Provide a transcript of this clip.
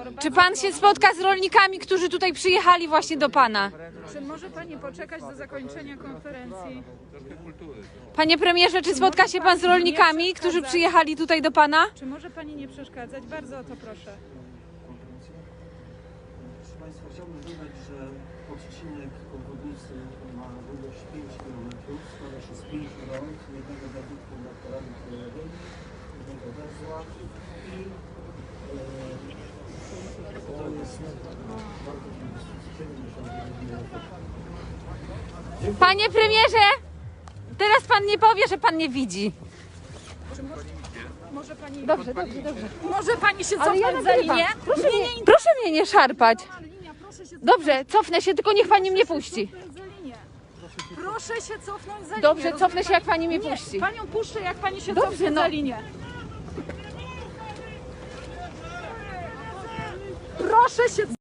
Czy pan się spotka z rolnikami, którzy tutaj przyjechali właśnie do pana? Czy może pani poczekać do zakończenia konferencji? Panie premierze, czy spotka się pan z rolnikami, którzy przyjechali tutaj do pana? Czy może pani nie przeszkadzać? Bardzo o to proszę. Proszę Państwa, chciałbym dodać, że odcinek obwodnicy ma długość 5 km, składa się z 5 rond, jednego wiaduktu nad torami kolejowymi, jednego węzła i to jest bardzo inwestycji 79 milionów. Panie premierze, teraz pan nie powie, że pan nie widzi. Może pani... Dobrze. Może pani się Ale ja cofnąć za nagrywam. linię? Proszę mnie nie szarpać. Linia, proszę się Dobrze, cofnę się, tylko niech pani mnie puści. cofnąć za linię. Proszę się cofnąć za linię. Dobrze, rozumie cofnę się, jak pani mnie Nie, puści. Panią puszczę, jak pani się Dobrze, cofnie no. za linię. Proszę się